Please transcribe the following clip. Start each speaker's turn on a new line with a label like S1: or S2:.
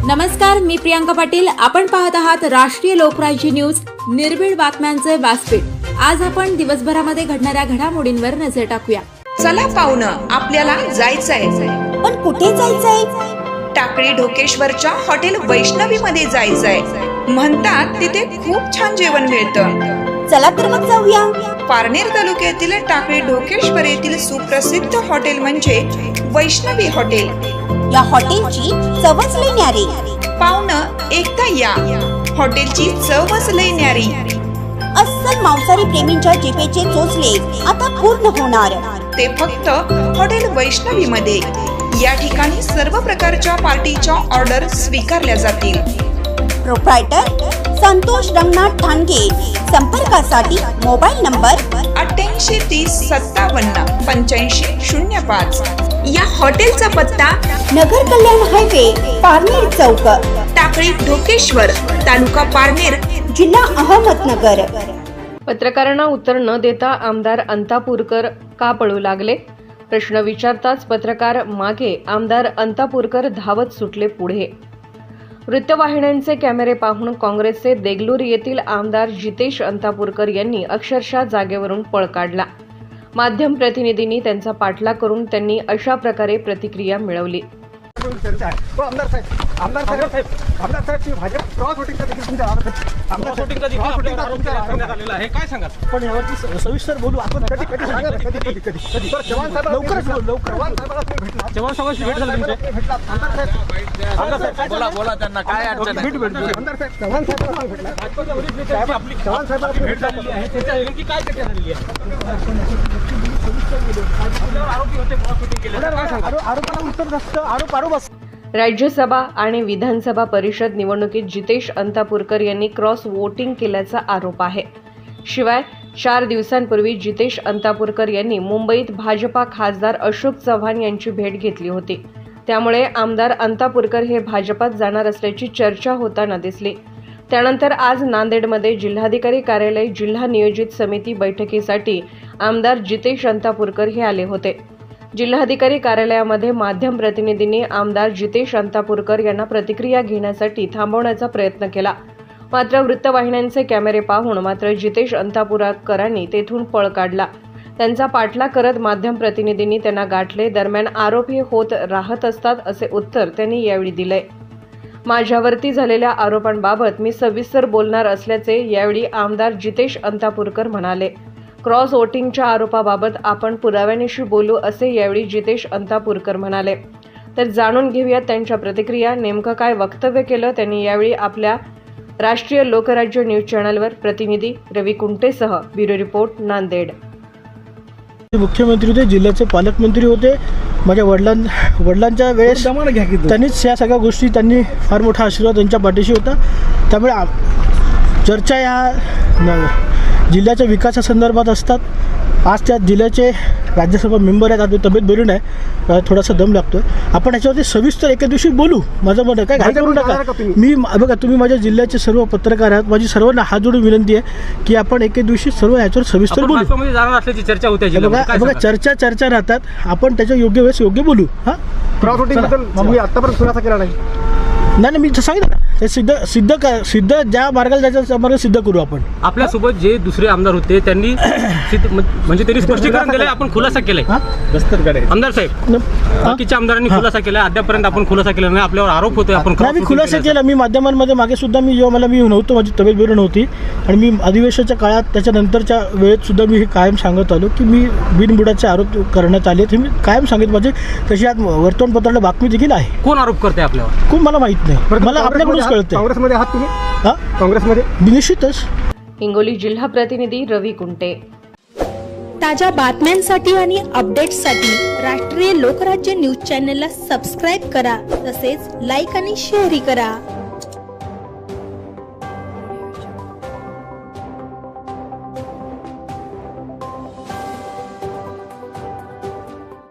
S1: नमस्कार, मी प्रियांका पाटील. आपण पाहत आहात राष्ट्रीय लोकराज्य न्यूज, निर्भीड बातम्यांचे व्यासपीठ. आज आपण दिवसभरामध्ये घडणाऱ्या घडामोडींवर नजर टाकूया.
S2: चला पाहुणं, आपल्याला जायचंय.
S3: पण कुठे जायचंय?
S2: टाकळी ढोकेश्वरच्या हॉटेल वैष्णवी मध्ये जायचंय. म्हणतात तिथे खूप छान जेवण मिळतं.
S3: चला तर मग जाऊया.
S2: पारनेर तालुक्यातील टाकळी ढोकेश्वर येथील सुप्रसिद्ध हॉटेल म्हणजे वैष्णवी हॉटेल.
S3: या हॉटेलची चवच लई न्यारी.
S2: पाहुणं, एकदा या. हॉटेलची चवच लई न्यारी.
S3: अस्सल मांसाहारी प्रेमींच्या जिभेचे चोचले आता पूर्ण होणार.
S2: ते फक्त हॉटेल वैष्णवी मध्ये. या ठिकाणी सर्व प्रकारच्या पार्टीच्या ऑर्डर स्वीकारल्या जातील.
S3: प्रोप्रायटर संतोष रंगनाथ ठाणगे. संपर्कासाठी मोबाईल नंबर
S2: 8830578505. या हॉटेलचा पत्ता
S3: नगर कल्याण हायवे, पारनेर चौक,
S2: टाकळी ढोकेश्वर, तालुका पारनेर,
S3: जिल्हा अहमदनगर.
S4: पत्रकारांना उत्तर न देता आमदार अंतापूरकर का पळू लागले? प्रश्न विचारताच पत्रकार मागे, आमदार अंतापूरकर धावत सुटले पुढे. वृत्तवाहिन्यांचे कॅमेरे पाहून काँग्रेसचे देगलूर येथील आमदार जितेश अंतापूरकर यांनी अक्षरशः जागेवरून पळ काढला. माध्यम प्रतिनिधींनी त्यांचा पाठलाग करून त्यांनी अशा प्रकारे प्रतिक्रिया मिळवली.
S5: आमदार साहेब भाजप क्रॉस वोटिंगचा देखील तुमच्या आमदार वोटिंगचा देखील आपल्याला आरोप करण्यात आलेला आहे. काय सांगा? पण यावरती सविस्तर बोलू आपण. कधी सांगा, कधी चव्हाण साहेब लवकर चव्हाण साहेबांना तुम्ही भेटला. चव्हाण साहेबांशी भेट झाली तुमची? भेटला आमदार साहेब बोला त्यांना काय अडचण आहे? आमदार साहेब चव्हाण साहेबांना भेटला. चव्हाण साहेबांना भेट झालेली आहे. त्याच्या नेमकी काय चर्चा झालेली आहे? आरोपी होते क्रॉस वोटिंग केले. आरोपाला उत्तर नसतं. आरोप
S4: राज्यसभा आणि विधानसभा परिषद निवडणुकीत जितेश अंतापूरकर यांनी क्रॉस वोटिंग केल्याचा आरोप आहे. शिवाय 4 दिवसांपूर्वी जितेश अंतापूरकर यांनी मुंबईत भाजपा खासदार अशोक चव्हाण यांची भेट घेतली होती. त्यामुळे आमदार अंतापूरकर हे भाजपात जाणार असल्याची चर्चा होताना दिसली. त्यानंतर आज नांदेडमध्ये जिल्हाधिकारी कार्यालय जिल्हा नियोजित समिती बैठकीसाठी आमदार जितेश अंतापूरकर हे आले होते. जिल्हाधिकारी कार्यालयामध्ये माध्यम प्रतिनिधींनी आमदार जितेश अंतापूरकर यांना प्रतिक्रिया घेण्यासाठी थांबवण्याचा प्रयत्न केला. मात्र वृत्तवाहिन्यांचे कॅमेरे पाहून मात्र जितेश अंतापूरकरांनी तेथून पळ काढला. त्यांचा पाठलाग करत माध्यम प्रतिनिधींनी त्यांना गाठले. दरम्यान आरोप हे होत राहत असतात असे उत्तर त्यांनी यावेळी दिले. माझ्यावरती झालेल्या आरोपांबाबत मी सविस्तर बोलणार असल्याचे यावेळी आमदार जितेश अंतापूरकर म्हणाले. क्रॉस वोटिंगच्या आरोपाबाबत आपण पुराव्यानिशी बोलू असे यावेळी जितेश अंतापूरकर म्हणाले. तर जाणून घेऊया त्यांच्या प्रतिक्रिया. नेमकं काय वक्तव्य केलं त्यांनी यावेळी आपल्या राष्ट्रीय लोकराज्य न्यूज चॅनलवर. प्रतिनिधी रवी कुंटेसह ब्युरो रिपोर्ट, नांदेड.
S5: मुख्यमंत्री होते, जिल्ह्याचे पालकमंत्री होते. माझ्या वडिलांच्या वेळेस त्यांनीच या सगळ्या गोष्टी, त्यांनी फार मोठा आशीर्वाद त्यांच्या पाठीशी होता. त्यामुळे चर्चा या जिल्ह्याच्या विकासासंदर्भात असतात. आज त्या जिल्ह्याचे राज्यसभा मेंबर आहेत. आता तब्येत बरी नाही, थोडासा दम लागतोय. आपण ह्याच्यावरती सविस्तर एका दिवशी बोलू. माझं मत आहे, काय घाई करू नका. मी बघा, तुम्ही माझ्या जिल्ह्याचे सर्व पत्रकार आहात. माझी सर्वांना हात जोडून विनंती आहे की आपण एका दिवशी सर्व ह्याच्यावर सविस्तर बोलू.
S6: चर्चा होते.
S5: बघा, चर्चा राहतात. आपण त्याच्या योग्य वेळेस योग्य बोलू. क्रॉस वोटिंग बद्दल आतापर्यंत खुलासा केला नाही. मी सांगितलं ना, ते सिद्ध ज्या मार्गाला जायचं मार्ग सिद्ध करू आपण.
S6: आपल्यासोबत जे दुसरे आमदार होते त्यांनी म्हणजे त्यांनी स्पष्टीकरण दिलंय, आपण खुलासा केलाय. आमदार साहेब, बाकीच्या आमदारांनी खुलासा केलाय, अद्यापर्यंत आपण खुलासा केला नाही. आपल्यावर आरोप होतोय आपण.
S5: मी खुलासा केला. मी माध्यमांमध्ये मागे सुद्धा मी नव्हतो, माझी तब्येत बरी नव्हती आणि मी अधिवेशनाच्या काळात त्याच्यानंतरच्या वेळेत सुद्धा मी हे कायम सांगत आलो की मी बिनबुडाचे आरोप करण्यात आले. हे मी कायम सांगितलं. माझे तशी आज वर्तमानपत्राला बातमी देखील आहे.
S6: कोण आरोप करते आपल्यावर?
S5: खूप मला माहित नाही. मला आपल्याकडूनच कळतं. काँग्रेसमध्ये आहात तुम्ही? काँग्रेसमध्ये निश्चितच.
S4: हिंगोली जिल्हा प्रतिनिधी रवी कुंटे.
S7: ताज्या बातम्यांसाठी आणि अपडेट्ससाठी राष्ट्रीय लोकराज्य न्यूज चॅनलला सबस्क्राईब करा. तसेच लाईक आणि शेअरही करा.